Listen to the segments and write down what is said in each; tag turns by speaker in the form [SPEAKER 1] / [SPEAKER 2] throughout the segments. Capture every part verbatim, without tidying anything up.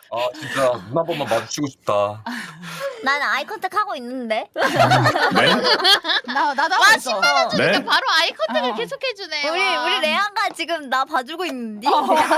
[SPEAKER 1] 아 진짜 눈 한 번만 마주치고 싶다.
[SPEAKER 2] 나는 아이 컨택 하고 있는데.
[SPEAKER 3] 네?
[SPEAKER 4] 나 나도 하고
[SPEAKER 5] 와
[SPEAKER 4] 있어.
[SPEAKER 5] 십 만 원 주니까
[SPEAKER 3] 네?
[SPEAKER 5] 바로 아이 컨택을
[SPEAKER 4] 어.
[SPEAKER 5] 계속해주네.
[SPEAKER 2] 우리
[SPEAKER 5] 와.
[SPEAKER 2] 우리 레아가 지금 나 봐주고 있는데.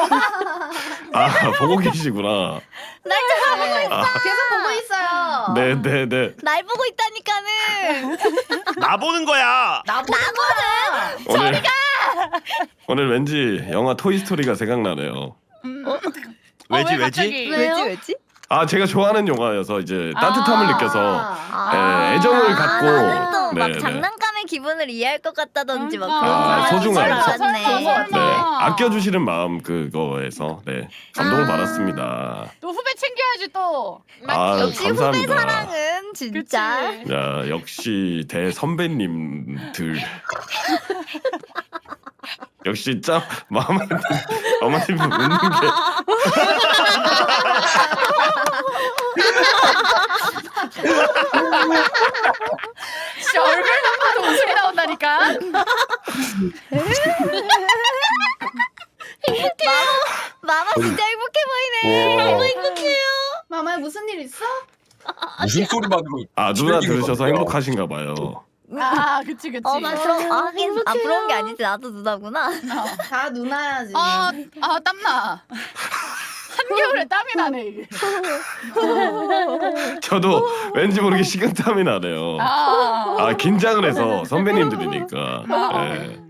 [SPEAKER 3] 아 보고 계시구나.
[SPEAKER 2] 날 좀 보고 있어.
[SPEAKER 3] 아,
[SPEAKER 4] 계속 보고 있어요.
[SPEAKER 3] 네네네.
[SPEAKER 2] 날 보고 있다니까는.
[SPEAKER 6] 나 보는 거야.
[SPEAKER 4] 나 보는 거야.
[SPEAKER 3] 오늘 오늘 왠지 영화 토이스토리가 생각나네요.
[SPEAKER 4] 음.
[SPEAKER 6] 왜지
[SPEAKER 4] 어, 왜
[SPEAKER 6] 왜지?
[SPEAKER 4] 갑자기?
[SPEAKER 2] 왜지 왜지?
[SPEAKER 3] 아 제가 좋아하는 영화여서 이제 따뜻함을
[SPEAKER 4] 아.
[SPEAKER 3] 느껴서
[SPEAKER 2] 아,
[SPEAKER 3] 예, 애정을 갖고
[SPEAKER 2] 나는 또 막
[SPEAKER 3] 네, 네.
[SPEAKER 2] 장난감의 기분을 이해할 것 같다든지 막
[SPEAKER 4] 아,
[SPEAKER 2] 그런
[SPEAKER 3] 아,
[SPEAKER 2] 줄
[SPEAKER 3] 소중한.
[SPEAKER 2] 알았네.
[SPEAKER 4] 좋은 거 같아.
[SPEAKER 3] 네 아껴주시는 마음 그거에서 네 감동을
[SPEAKER 2] 아.
[SPEAKER 3] 받았습니다.
[SPEAKER 4] 또 후배 챙겨야지 또.
[SPEAKER 3] 아
[SPEAKER 2] 역시 후배
[SPEAKER 3] 감사합니다.
[SPEAKER 2] 사랑은 진짜.
[SPEAKER 4] 그치.
[SPEAKER 3] 야 역시 대 선배님들 역시 참 마음에 드- 어머님 웃는 게
[SPEAKER 4] 진짜 얼굴만 봐도 웃음이 나온다니까.
[SPEAKER 2] 마마 진짜 행복해 보이네.
[SPEAKER 1] 우와.
[SPEAKER 2] 행복해요.
[SPEAKER 4] 마마야 무슨 일 있어?
[SPEAKER 1] 무슨 소리만으로
[SPEAKER 3] 아 누나
[SPEAKER 1] 즐기는
[SPEAKER 3] 들으셔서
[SPEAKER 1] 거야.
[SPEAKER 3] 행복하신가 봐요.
[SPEAKER 4] 아 그치 그치.
[SPEAKER 2] 어, 나 그럼 아, 하긴 아 부러운 게 아니지. 나도 누나구나.
[SPEAKER 7] 다 누나야지.
[SPEAKER 4] 아, 아 땀나. 한겨울에 땀이 나네 이게.
[SPEAKER 3] 저도 왠지 모르게 식은땀이 나네요.
[SPEAKER 4] 아,
[SPEAKER 3] 아 긴장을 해서 선배님들이니까. 네.